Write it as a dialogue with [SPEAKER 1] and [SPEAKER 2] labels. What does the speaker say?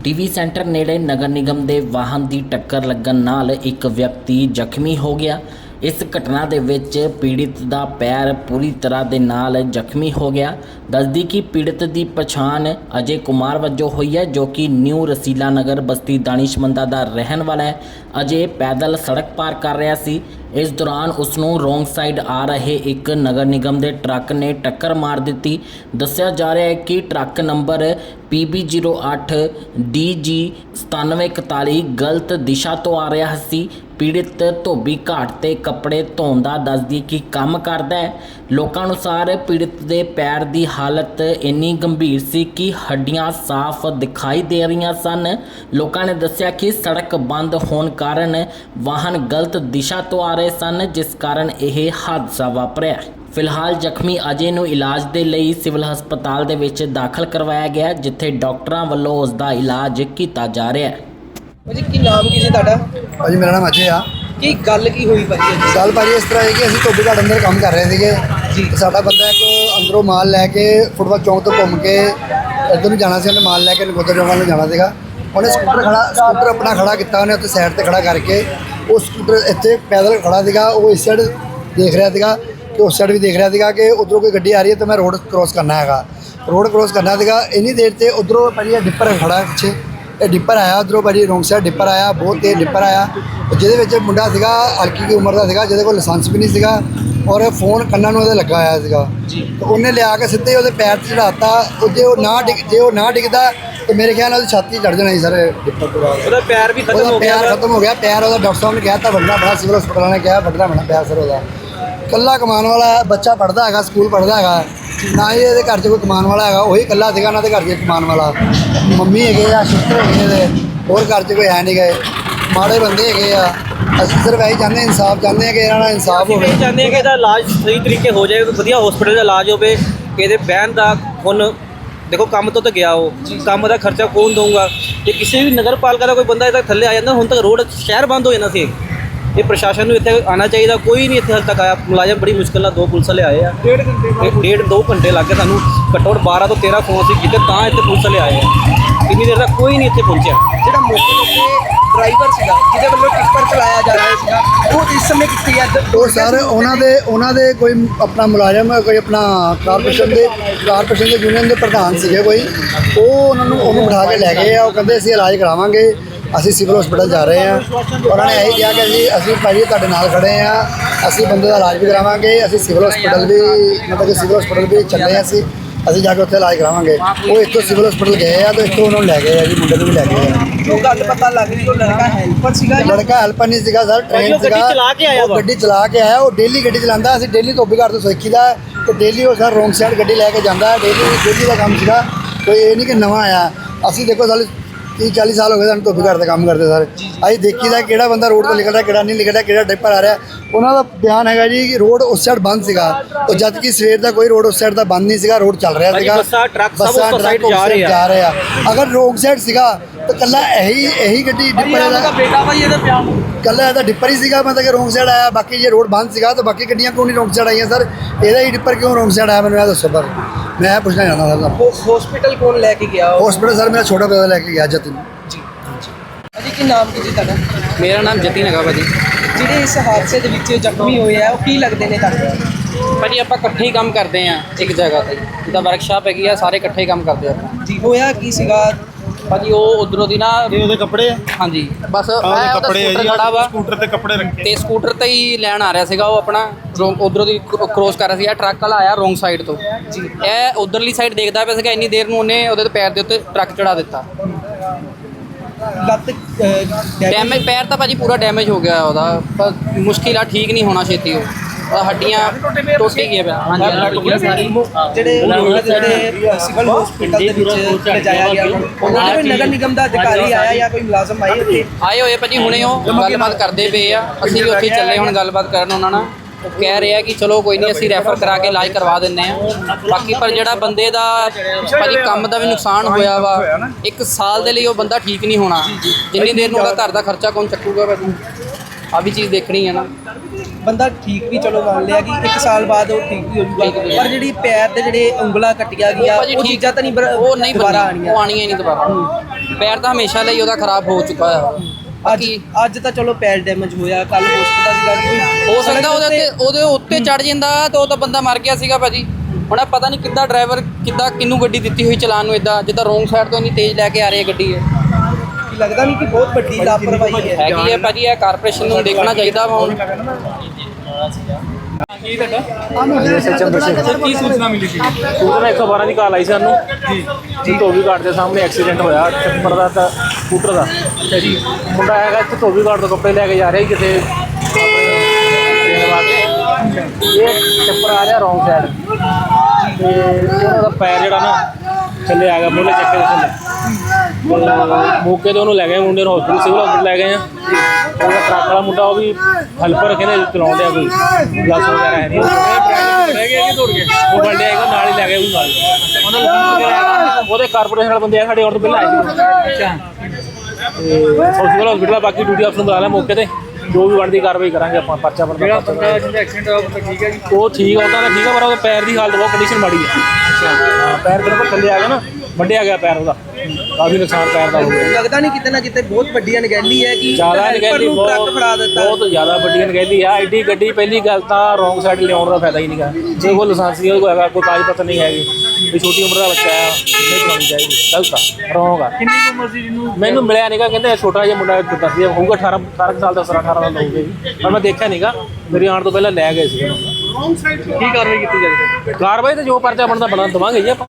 [SPEAKER 1] TV centre नेड़े नगर निगम के वाहन की टक्कर लगन नाल एक व्यक्ति जख्मी हो गया। इस घटना दे विच पीड़ित का पैर पूरी तरह दे नाल जख्मी हो गया। दसदी कि पीड़ित की पछाण अजय कुमार वजों हुई है, जो कि न्यू रसीला नगर बस्ती दानिशमंदा का रहन वाला है। अजय पैदल सड़क पार कर रहा सी। इस दौरान उसनों रोंग साइड आ रहे एक नगर निगम के ट्रक ने टक्कर मार दी। दस्या जा रहा है कि ट्रक नंबर PB08 DG 9741 गलत दिशा तो आ रहा सी। पीड़ित धोबी घाट ते कपड़े धोन दा दसदी कि काम करदा है। लोकां अनुसार पीड़ित दे पैर दी हालत इन्नी गंभीर सी कि हड्डियां साफ दिखाई दे रही सन। लोकां ने दस्सिया कि सड़क बंद होने कारण वाहन गलत दिशा तो आ रहे सन, जिस कारण यह हादसा वापरिया। फिलहाल जख्मी अजय नूं इलाज के लिए सिविल हस्पताल दे विच दाखिल करवाया गया, जिथे डॉक्टरों वालों उसका इलाज किया जा रहा है।
[SPEAKER 2] भाजी की नाम की जी ਤੁਹਾਡਾ?
[SPEAKER 3] भाजी मेरा नाम अजय आ।
[SPEAKER 2] ਕੀ ਗੱਲ ਕੀ ਹੋਈ ਭਾਜੀ?
[SPEAKER 3] गल भाजी इस तरह है कि ਅਸੀਂ ਧੋਬੀ ਘਾਟ ਅੰਦਰ ਕੰਮ ਕਰ ਰਹੇ ਸੀਗੇ ਤੇ ਸਾਡਾ ਬੰਦਾ ਇੱਕ ਅੰਦਰੋਂ ਮਾਲ ਲੈ ਕੇ ਫੁੱਟਬਾਲ ਚੌਂਕ ਤੋਂ ਘੁੰਮ ਕੇ ਇੱਧਰ ਨੂੰ ਜਾਣਾ ਸੀ। ਉਹਨੇ ਮਾਲ ਲੈ ਕੇ ਨਗੋਦਰ ਚੌਂਕ ਨੂੰ ਜਾਣਾ ਸੀਗਾ। ਉਹਨੇ ਸਕੂਟਰ ਆਪਣਾ ਖੜਾ ਕੀਤਾ, ਉਹਨੇ ਉੱਥੇ ਸਾਈਡ ਤੇ ਖੜਾ ਕਰਕੇ ਉਹ ਸਕੂਟਰ ਇੱਥੇ ਪੈਦਲ ਖੜਾ ਸੀਗਾ। ਉਹ ਇਸ ਸਾਈਡ ਦੇਖ ਰਿਹਾ ਸੀਗਾ ਕਿ ਉਸ ਸਾਈਡ ਵੀ ਦੇਖ ਰਿਹਾ ਸੀਗਾ ਕਿ ਉੱਧਰੋਂ ਕੋਈ ਗੱਡੀ ਆ ਰਹੀ ਹੈ ਤੇ ਮੈਂ ਰੋਡ ਕ੍ਰੋਸ ਕਰਨਾ ਹੈਗਾ। ਰੋਡ ਕ੍ਰੋਸ ਕਰਨਾ ਸੀਗਾ। ਇੰਨੀ ਦੇਰ ਤੇ ਉੱਧਰੋਂ ਭਾਜੀ ਡਿੱਪਰ ਖੜਾ ਪਿੱਛੇ, ਇਹ ਡਿੱਪਰ ਆਇਆ ਉੱਧਰੋਂ ਭਾਜੀ ਰੋਂਗ ਸਾਈਡ ਡਿੱਪਰ ਆਇਆ, ਬਹੁਤ ਤੇਜ਼ ਡਿੱਪਰ ਆਇਆ, ਜਿਹਦੇ ਵਿੱਚ ਮੁੰਡਾ ਸੀਗਾ ਹਲਕੀ ਦੀ ਉਮਰ ਦਾ ਸੀਗਾ, ਜਿਹਦੇ ਕੋਲ ਲਾਇਸੈਂਸ ਵੀ ਨਹੀਂ ਸੀਗਾ ਔਰ ਫੋਨ ਕੰਨਾਂ ਨੂੰ ਉਹਦੇ ਲੱਗਾ ਹੋਇਆ ਸੀਗਾ। ਤੇ ਉਹਨੇ ਲਿਆ ਕੇ ਸਿੱਧੇ ਉਹਦੇ ਪੈਰ 'ਤੇ ਚੜਾਤਾ। ਜੇ ਉਹ ਨਾ ਡਿੱਗਦਾ ਤੇ ਮੇਰੇ ਖਿਆਲ ਨਾਲ ਉਹਦੀ ਛਾਤੀ ਚੜ੍ਹ ਜਾਣਾ ਸੀ ਸਰ ਡਿੱਪਰ ਤੋਂ ਬਾਅਦ।
[SPEAKER 2] ਉਹਦਾ ਪੈਰ ਵੀ ਖਤਮ ਹੋ ਗਿਆ।
[SPEAKER 3] ਪੈਰ ਖਤਮ ਹੋ ਗਿਆ। ਪੈਰ ਉਹਦਾ ਡਾਕਟਰ ਸਾਹਿਬ ਨੇ ਕਿਹਾ ਤਾਂ ਵੱਢਣਾ ਪੈਣਾ, ਸਿਵਲ ਹਸਪਤਾਲ ਨੇ ਕਿਹਾ ਵੱਢਣਾ ਪੈਣਾ ਪੈਰ ਸਰ ਉਹਦਾ। ਇਕੱਲਾ ਕਮਾਉਣ ਵਾਲਾ ਬੱਚਾ ਪੜ੍ਹਦਾ ਹੈਗਾ, ਸਕੂਲ ਪੜ੍ਹਦਾ ਹੈਗਾ, ਨਾ ਹੀ ਇਹਦੇ ਘਰ 'ਚ ਕੋਈ ਕਮਾਉਣ ਵਾਲਾ ਹੈਗਾ। ਉਹੀ ਇਕੱਲਾ ਸੀਗਾ ਉਹਨਾਂ ਦੇ ਘਰ 'ਚ ਕਮਾਉਣ ਵਾਲਾ। ਮੰਮੀ ਹੈਗੇ ਆ, ਸਿਸਟਰ ਹੈਗੇ ਇਹਦੇ, ਹੋਰ ਘਰ 'ਚ ਕੋਈ ਹੈ ਨਹੀਂ ਗਏ। ਮਾੜੇ ਬੰਦੇ ਹੈਗੇ ਆ। ਅਸੀਂ ਸਿਰਫ ਇਹੀ ਚਾਹੁੰਦੇ ਇਨਸਾਫ ਚਾਹੁੰਦੇ ਹਾਂ ਕਿ ਇਹਨਾਂ ਦਾ ਇਨਸਾਫ ਹੋਵੇ।
[SPEAKER 2] ਅਸੀਂ ਚਾਹੁੰਦੇ ਹਾਂ ਕਿ ਇਹਦਾ ਇਲਾਜ ਸਹੀ ਤਰੀਕੇ ਹੋ ਜਾਏ, ਵਧੀਆ ਹਸਪੀਟਲ ਦਾ ਇਲਾਜ ਹੋਵੇ। ਇਹਦੇ ਬਹਿਣ ਦਾ ਹੁਣ ਦੇਖੋ ਕੰਮ ਤੋਂ ਤਾਂ ਗਿਆ, ਉਹ ਕੰਮ ਦਾ ਖਰਚਾ ਕੌਣ ਦਊਗਾ? ਜੇ ਕਿਸੇ ਵੀ ਨਗਰ ਪਾਲਿਕਾ ਦਾ ਕੋਈ ਬੰਦਾ ਇਹਦਾ ਥੱਲੇ ਆ ਜਾਂਦਾ, ਹੁਣ ਤੱਕ ਰੋਡ ਸ਼ਹਿਰ ਬੰਦ ਹੋ ਜਾਣਾ ਸੀ। ਇਹ ਪ੍ਰਸ਼ਾਸਨ ਨੂੰ ਇੱਥੇ ਆਉਣਾ ਚਾਹੀਦਾ, ਕੋਈ ਨਹੀਂ ਇੱਥੇ ਹਾਲੇ ਤੱਕ ਆਇਆ। ਮੁਲਾਜ਼ਮ ਬੜੀ ਮੁਸ਼ਕਿਲ ਨਾਲ 2 ਪੁਲਿਸ ਵਾਲੇ ਆਏ ਆ। 2 ਘੰਟੇ ਲੱਗ ਗਏ ਸਾਨੂੰ, ਘੱਟੋ ਘੱਟ 12 ਤੋਂ 13 ਫੋਨ ਸੀ ਕੀਤੇ ਤਾਂ ਇੱਥੇ ਪੁਲਿਸ ਵਾਲੇ ਆਏ ਆ। ਇੰਨੀ ਦੇਰ ਤੱਕ ਕੋਈ ਨਹੀਂ ਇੱਥੇ ਪਹੁੰਚਿਆ। ਜਿਹੜਾ ਮੌਕੇ ਉੱਤੇ ਡਰਾਈਵਰ ਸੀਗਾ ਜਿਹਦੇ ਵੱਲੋਂ ਟਿੱਪਰ ਚਲਾਇਆ ਜਾ ਰਿਹਾ ਸੀਗਾ, ਉਹ ਇਸ ਸਮੇਂ ਕਿੱਥੇ ਹੈ?
[SPEAKER 3] ਉਹ ਸਰ ਉਹਨਾਂ ਦੇ ਕੋਈ ਆਪਣਾ ਮੁਲਾਜ਼ਮ, ਕੋਈ ਆਪਣਾ ਕਾਰਪੋਰੇਸ਼ਨ ਦੇ ਯੂਨੀਅਨ ਦੇ ਪ੍ਰਧਾਨ ਸੀਗੇ ਕੋਈ, ਉਹ ਉਹਨੂੰ ਬਿਠਾ ਕੇ ਲੈ ਗਏ ਆ। ਉਹ ਕਹਿੰਦੇ ਅਸੀਂ ਇਲਾਜ ਕਰਾਵਾਂਗੇ, ਅਸੀਂ ਸਿਵਲ ਹਸਪਤਾਲ ਜਾ ਰਹੇ ਹਾਂ। ਉਹਨਾਂ ਨੇ ਇਹੀ ਕਿਹਾ ਕਿ ਅਸੀਂ ਭਾਈ ਤੁਹਾਡੇ ਨਾਲ ਖੜੇ ਹਾਂ, ਅਸੀਂ ਬੰਦੇ ਦਾ ਇਲਾਜ ਵੀ ਕਰਾਵਾਂਗੇ, ਅਸੀਂ ਸਿਵਲ ਹਸਪਤਾਲ ਵੀ ਮਤਲਬ ਕਿ ਸਿਵਲ ਹਸਪਤਾਲ ਵੀ ਚੱਲੇ ਹਾਂ, ਅਸੀਂ ਜਾ ਕੇ ਉੱਥੇ ਇਲਾਜ ਕਰਾਵਾਂਗੇ। ਉਹ ਇੱਥੋਂ ਸਿਵਲ ਹਸਪਤਾਲ ਗਏ ਆ ਤੇ ਇੱਥੋਂ ਉਹਨਾਂ ਨੂੰ ਲੈ ਗਏ ਆ ਜੀ, ਮੁੰਡੇ ਨੂੰ ਵੀ ਲੈ ਗਏ ਆ।
[SPEAKER 2] ਉਹ ਗੱਲ ਪਤਾ ਲੱਗ ਰਹੀ ਉਹ ਲੜਕਾ ਹੈਲਪਰ ਸੀਗਾ।
[SPEAKER 3] ਲੜਕਾ ਹੈਲਪਰ ਨਹੀਂ ਸੀਗਾ ਸਰ, ਟ੍ਰੇਨ ਸੀਗਾ।
[SPEAKER 2] ਗੱਡੀ ਚਲਾ ਕੇ ਆਇਆ।
[SPEAKER 3] ਉਹ ਡੇਲੀ ਗੱਡੀ ਚਲਾਉਂਦਾ। ਅਸੀਂ ਡੇਲੀ ਧੋਬੀ ਘਾਟ ਤੋਂ ਸਿੱਖੀ ਦਾ ਤੇ ਡੇਲੀ ਉਹ ਸਰ ਰੋਂਗ ਸਾਈਡ ਗੱਡੀ ਲੈ ਕੇ ਜਾਂਦਾ। ਡੇਲੀ ਦਾ ਕੰਮ ਸੀਗਾ, ਕੋਈ ਇਹ ਨਹੀਂ ਕਿ ਨਵਾਂ ਆਇਆ। ਅਸੀਂ ਦੇਖੋ ਸਾਲ 30-40 ਸਾਲ ਹੋ ਗਏ ਸਾਨੂੰ ਧੋਬੀ ਘਾਟ ਦਾ ਕੰਮ ਕਰਦੇ ਸਰ। ਅਸੀਂ ਦੇਖੀਦਾ ਕਿਹੜਾ ਬੰਦਾ ਰੋਡ 'ਤੇ ਨਿਕਲਦਾ, ਕਿਹੜਾ ਨਹੀਂ ਨਿਕਲਦਾ, ਕਿਹੜਾ ਡਿੱਪਰ ਆ ਰਿਹਾ। ਉਹਨਾਂ ਦਾ ਬਿਆਨ ਹੈਗਾ ਜੀ ਕਿ ਰੋਡ ਉਸ ਸਾਈਡ ਬੰਦ ਸੀਗਾ, ਉਹ ਜਦ ਕਿ ਸਵੇਰ ਦਾ ਕੋਈ ਰੋਡ ਉਸ ਸਾਈਡ ਦਾ ਬੰਦ ਨਹੀਂ ਸੀਗਾ, ਰੋਡ ਚੱਲ ਰਿਹਾ ਸੀਗਾ।
[SPEAKER 2] ਬੱਸਾਂ ਟਰੱਕ
[SPEAKER 3] ਜਾ ਰਹੇ ਆ। ਅਗਰ ਰੋਂਗ ਸਾਈਡ ਸੀਗਾ ਤਾਂ ਕੱਲਾ ਇਹੀ ਗੱਡੀ ਡਿੱਪਰ ਦਾ
[SPEAKER 2] ਬੇਟਾ ਭਾਈ ਇਹਦਾ ਪਿਆਰ
[SPEAKER 3] ਕੱਲਾ ਇਹਦਾ ਡਿੱਪਰ ਹੀ ਸੀਗਾ, ਮਤਲਬ ਕਿ ਰੋਂਗ ਸਾਈਡ ਆਇਆ। ਬਾਕੀ ਜੇ ਰੋਡ ਬੰਦ ਸੀਗਾ ਤਾਂ ਬਾਕੀ ਗੱਡੀਆਂ ਕਿਉਂ ਨਹੀਂ ਰੋਂਗ ਸਾਈਡ ਆਈਆਂ ਸਰ? ਇਹਦਾ ਹੀ ਡਿੱਪਰ ਕਿਉਂ ਰੋਂਗ ਸਾਈਡ ਆਇਆ ਮੈਨੂੰ ਇਹ ਦੱਸੋ। ਪਰ ਮੈਂ ਪੁੱਛਣਾ ਚਾਹੁੰਦਾ ਸਰ,
[SPEAKER 2] ਹਸਪੀਟਲ ਕੌਣ ਲੈ ਕੇ ਗਿਆ?
[SPEAKER 3] ਹਸਪੀਟਲ ਸਰ ਮੇਰਾ ਛੋਟਾ ਬ੍ਰਦਰ ਲੈ ਕੇ ਗਿਆ ਜਤਨ।
[SPEAKER 2] ਭਾਜੀ ਕੀ ਨਾਮ ਕੀ ਜੀ ਤੁਹਾਡਾ?
[SPEAKER 4] ਮੇਰਾ ਨਾਮ ਜਤਿਨ ਹੈਗਾ ਭਾਜੀ।
[SPEAKER 2] ਜਿਹੜੇ ਇਸ ਹਾਦਸੇ ਦੇ ਵਿੱਚ ਜ਼ਖਮੀ ਹੋਏ ਆ ਉਹ ਕੀ ਲੱਗਦੇ ਨੇ ਤੁਹਾਨੂੰ?
[SPEAKER 4] ਭਾਜੀ ਆਪਾਂ ਇਕੱਠੇ ਹੀ ਕੰਮ ਕਰਦੇ ਆ ਇੱਕ ਜਗ੍ਹਾ ਤੇ, ਜਿੱਦਾਂ ਵਰਕਸ਼ਾਪ ਹੈਗੀ ਆ, ਸਾਰੇ ਇਕੱਠੇ ਹੀ ਕੰਮ ਕਰਦੇ ਆ
[SPEAKER 2] ਜੀ। ਹੋਇਆ ਕੀ ਸੀਗਾ
[SPEAKER 4] ਭਾਜੀ? ਉਹ ਉਧਰੋਂ ਦੀ ਨਾ
[SPEAKER 5] ਉਹਦੇ ਕੱਪੜੇ ਆ।
[SPEAKER 4] ਹਾਂਜੀ ਬਸ
[SPEAKER 5] ਕੱਪੜੇ
[SPEAKER 4] ਸਕੂਟਰ ਖੜਾ ਵਾ
[SPEAKER 5] ਸਕੂਟਰ ਤੇ ਕੱਪੜੇ ਰੱਖੇ
[SPEAKER 4] ਤੇ ਸਕੂਟਰ ਤੇ ਹੀ ਲੈਣ ਆ ਰਿਹਾ ਸੀਗਾ। ਉਹ ਆਪਣਾ ਉਧਰੋਂ ਦੀ ਕ੍ਰੋਸ ਕਰ ਰਿਹਾ ਸੀ। ਟਰੱਕ ਵਾਲਾ ਆਇਆ ਰੋਂਗ ਸਾਈਡ ਤੋਂ ਜੀ। ਇਹ ਉਧਰਲੀ ਸਾਈਡ ਦੇਖਦਾ ਪਿਆ ਸੀਗਾ। ਇੰਨੀ ਦੇਰ ਨੂੰ ਉਹਨੇ ਉਹਦੇ ਪੈਰ ਦੇ ਉੱਤੇ ਟਰੱਕ ਚੜਾ ਦਿੱਤਾ।
[SPEAKER 2] ਲੱਤ
[SPEAKER 4] ਡੈਮੇਜ ਪੈਰ ਤਾਂ ਭਾਜੀ ਪੂਰਾ ਡੈਮੇਜ ਹੋ ਗਿਆ ਉਹਦਾ, ਪਰ ਮੁਸ਼ਕਿਲ ਆ, ਠੀਕ ਨਹੀਂ ਹੋਣਾ ਛੇਤੀ। ਉਹ ਹੱਡੀਆਂ ਟੁੱਟ ਹੀ ਗਈਆਂ ਪਿਆ। ਹਾਂਜੀ
[SPEAKER 2] ਜਿਹੜੇ ਸਿਵਲ ਹਸਪੀਟਲ ਦੇ ਵਿੱਚ ਲਿਜਾਇਆ ਗਿਆ, ਉਹਨਾਂ ਨੇ ਵੀ ਨਗਰ ਨਿਗਮ ਦਾ ਅਧਿਕਾਰੀ ਆਇਆ ਜਾਂ ਕੋਈ ਮੁਲਾਜ਼ਮ ਆਏ ਉੱਥੇ?
[SPEAKER 4] ਆਏ ਹੋਏ ਭਾਜੀ, ਹੁਣੇ ਉਹ ਗੱਲਬਾਤ ਕਰਦੇ ਪਏ ਆ। ਅਸੀਂ ਵੀ ਉੱਥੇ ਚੱਲੇ ਹੁਣ ਗੱਲਬਾਤ ਕਰਨ ਉਹਨਾਂ ਨਾਲ। ਉਹ ਕਹਿ ਰਹੇ ਆ ਕਿ ਚਲੋ ਕੋਈ ਨਹੀਂ, ਅਸੀਂ ਰੈਫਰ ਕਰਾ ਕੇ ਇਲਾਜ ਕਰਵਾ ਦਿੰਦੇ ਆ। ਬਾਕੀ ਪਰ ਜਿਹੜਾ ਬੰਦੇ ਦਾ ਭਾਜੀ ਕੰਮ ਦਾ ਵੀ ਨੁਕਸਾਨ ਹੋਇਆ ਵਾ, 1 ਸਾਲ ਦੇ ਲਈ ਉਹ ਬੰਦਾ ਠੀਕ ਨਹੀਂ ਹੋਣਾ। ਜਿੰਨੀ ਦੇਰ ਨੂੰ ਉਹਦਾ ਘਰ ਦਾ ਖਰਚਾ ਕੌਣ ਚੱਕੂਗਾ ਭਾਜੀ? ਆ ਵੀ ਚੀਜ਼ ਦੇਖਣੀ ਹੈ ਨਾ।
[SPEAKER 5] ਬੰਦਾ ਠੀਕ ਵੀ ਚਲੋ ਮੰਨ ਲਿਆ ਕਿ 1 ਸਾਲ ਬਾਅਦ ਉਹ ਠੀਕ ਵੀ ਹੋ ਜਾਊਗਾ, ਪਰ ਜਿਹੜੀ ਪੈਰ ਦੇ ਜਿਹੜੇ ਉਂਗਲਾਂ ਕੱਟੀਆਂ ਗਿਆ
[SPEAKER 4] ਭਾਜੀ
[SPEAKER 5] ਉਹ
[SPEAKER 4] ਠੀਕ
[SPEAKER 5] ਚੀਜ਼ਾਂ ਤਾਂ ਨਹੀਂ
[SPEAKER 4] ਉਹ ਨਹੀਂ
[SPEAKER 5] ਦੁਬਾਰਾ
[SPEAKER 4] ਬਣਨੀ, ਉਹ ਆਣੀਆਂ ਹੀ ਨਹੀਂ ਦੁਬਾਰਾ। ਪੈਰ ਤਾਂ ਹਮੇਸ਼ਾ ਲਈ ਉਹਦਾ ਖਰਾਬ ਹੋ ਚੁੱਕਾ ਹੈ।
[SPEAKER 5] ਅੱਜ ਤਾਂ ਚਲੋ ਪੈਰ ਡੈਮੇਜ ਹੋਇਆ, ਕੱਲ ਹੋ ਸਕਦਾ ਸੀਗਾ ਕਿ
[SPEAKER 4] ਹੋ ਸਕਦਾ ਉਹਦੇ ਉੱਤੇ ਚੜ ਜਾਂਦਾ ਤਾਂ ਉਹ ਤਾਂ ਬੰਦਾ ਮਰ ਗਿਆ ਸੀਗਾ ਭਾਜੀ। ਹੁਣ ਇਹ ਪਤਾ ਨਹੀਂ ਕਿੱਦਾਂ ਡਰਾਈਵਰ ਕਿਹਨੂੰ ਗੱਡੀ ਦਿੱਤੀ ਹੋਈ ਚਲਾਉਣ ਨੂੰ, ਇਦਾਂ ਜਿੱਦਾਂ ਰੋਂਗ ਸਾਈਡ ਤੋਂ ਇੰਨੀ ਤੇਜ਼ ਲੈ ਕੇ ਆ ਰਹੀ ਹੈ ਗੱਡੀ
[SPEAKER 5] ਕਿ ਲੱਗਦਾ ਨਹੀਂ ਕਿ ਬਹੁਤ ਵੱਡੀ ਲਾਪਰਵਾਹੀ ਹੈ।
[SPEAKER 4] ਹੈਗੀ ਹੈ ਭਾਜੀ। ਇਹ ਕਾਰਪੋਰੇਸ਼ਨ ਨੂੰ ਦੇਖਣਾ ਚਾਹੀਦਾ ਵਾ ਹੁਣ।
[SPEAKER 6] ਕੀ ਸੂਚਨਾ ਮਿਲੀ ਸੀ? ਸੂਚਨਾ 112 ਦੀ ਕਾਲ ਆਈ ਸਾਨੂੰ ਜੀ ਧੋਬੀ ਘਾਟ ਦੇ ਸਾਹਮਣੇ ਐਕਸੀਡੈਂਟ ਹੋਇਆ ਟਿੱਪਰ ਦਾ ਤਾਂ ਸਕੂਟਰ ਦਾ। ਅੱਛਾ ਜੀ। ਮੁੰਡਾ ਹੈਗਾ ਇੱਥੇ ਧੋਬੀ ਘਾਟ ਤੋਂ ਕੱਪੜੇ ਲੈ ਕੇ ਜਾ ਰਿਹਾ ਸੀ ਕਿਤੇ ਦੇਣ ਵਾਸਤੇ। ਇਹ ਟਿੱਪਰ ਆ ਰਿਹਾ ਰੌਂਗ ਸਾਈਡ ਤੇ ਉਹਨਾਂ ਦਾ ਪੈਰ ਜਿਹੜਾ ਨਾ ਥੱਲੇ ਆ ਗਿਆ, ਮੋਢੇ ਚੱਕੇ ਦੇ ਥੱਲੇ। ਮੌਕੇ ਤੇ ਉਹਨੂੰ ਲੈ ਗਏ ਮੁੰਡੇ ਨੂੰ ਹਸਪੀਟਲ, ਸਿਵਲ ਹਸਪੀਟਲ ਲੈ ਗਏ ਆ। ਉਹਦਾ ਟਰੱਕ ਵਾਲਾ ਮੁੰਡਾ ਉਹ ਵੀ ਹੈਲਪਰ ਕਹਿੰਦੇ ਚਲਾਉਣ ਡਿਆ, ਕੋਈ ਗਲਾਸ ਵਗੈਰਾ ਹੈ ਨਹੀਂ। ਰਹਿ ਗਿਆ ਕਿ ਦੌੜ ਗਏ, ਉਹ ਬੰਦੇ ਆਏਗਾ ਨਾਲ ਹੀ ਲੈ ਗਏ ਉਹਨੂੰ ਨਾਲ। ਉਹਦੇ ਕਾਰਪੋਰੇਸ਼ਨ ਵਾਲੇ ਬੰਦੇ ਆ ਸਾਡੇ, ਔਰ ਤੋਂ ਪਹਿਲਾਂ ਆਏ ਸੀ। ਅੱਛਾ। ਤੇ ਸਿਵਲ ਹਸਪੀਟਲ ਬਾਕੀ ਡਿਊਟੀ ਅਫਸਰ ਨੂੰ ਬੁਲਾ ਲਿਆ ਮੌਕੇ ਤੇ, ਜੋ ਵੀ ਬਣਦੀ ਕਾਰਵਾਈ ਕਰਾਂਗੇ ਆਪਾਂ। ਪਰਚਾ ਬੰਦਾ ਜਿਹੜਾ ਬੰਦਾ ਜਿਹਦਾ ਐਕਸੀਡੈਂਟ ਹੋਇਆ ਉਹ ਠੀਕ ਹੈ ਜੀ? ਉਹ ਠੀਕ ਆ, ਉਹਦਾ ਤਾਂ ਠੀਕ ਆ, ਪਰ ਉਹਦੇ ਪੈਰ ਦੀ ਹਾਲਤ ਬਹੁਤ ਕੰਡੀਸ਼ਨ ਮਾੜੀ ਹੈ। ਹਾਂ, ਪੈਰ ਬਿਲਕੁਲ ਥੱਲੇ ਆ ਗਿਆ ਨਾ, ਵੱਢਿਆ ਗਿਆ ਪੈਰ ਉਹਦਾ, ਕਾਫੀ ਨੁਕਸਾਨ ਪੈਰ ਦਾ ਹੋ ਗਿਆ।
[SPEAKER 5] ਲੱਗਦਾ ਨਹੀਂ ਕਿਤੇ ਨਾ ਕਿਤੇ ਬਹੁਤ ਵੱਡੀ ਅਣਗਹਿਲੀ ਹੈ ਕਿ
[SPEAKER 6] ਜ਼ਿਆਦਾ ਅਣਗਹਿਲੀ,
[SPEAKER 5] ਟਰੱਕ ਫੜਾ ਦਿੱਤਾ।
[SPEAKER 6] ਬਹੁਤ ਜ਼ਿਆਦਾ ਵੱਡੀ ਅਣਗਹਿਲੀ ਆ। ਐਡੀ ਗੱਡੀ ਪਹਿਲੀ ਗੱਲ ਤਾਂ ਰੌਂਗ ਸਾਈਡ ਲਿਆਉਣ ਦਾ ਫਾਇਦਾ ਹੀ ਨਹੀਂਗਾ। ਜੇ ਕੋਈ ਲਾਇਸੈਂਸ ਨਹੀਂ, ਕੋਈ ਹੈਗਾ, ਕੋਈ ਕਾਗਜ਼ ਪੱਤਰ ਨਹੀਂ ਹੈਗੇ, ਵੀ ਛੋਟੀ ਉਮਰ ਦਾ ਬੱਚਾ ਆ, ਨਹੀਂ ਚਲਾਉਣੀ ਚਾਹੀਦੀ। ਗਲਤ ਆ, ਰੌਂਗ ਆ। ਕਿੰਨੀ ਉਮਰ ਸੀ ਜਿਹਨੂੰ? ਮੈਨੂੰ ਮਿਲਿਆ ਨਹੀਂਗਾ, ਕਹਿੰਦੇ ਛੋਟਾ ਜਿਹਾ ਮੁੰਡਾ ਦੱਸਦੇ ਹੋਊਗਾ 18 ਸਾਲ ਦਾ, 18 ਦਾ ਹੋਊਗਾ ਜੀ, ਪਰ ਮੈਂ ਦੇਖਿਆ ਨਹੀਂਗਾ। ਮੇਰੀ ਆਉਣ ਤੋਂ ਪਹਿਲਾਂ ਲੈ ਗਏ ਸੀ। ਕੀ ਕਾਰਵਾਈ ਕੀਤੀ ਜਾਵੇ? ਕਾਰਵਾਈ ਤਾਂ ਜੋ ਪਰਚਾ ਬਣਦਾ ਬਣਾ ਦੇਵਾਂਗੇ ਜੀ ਆਪਾਂ।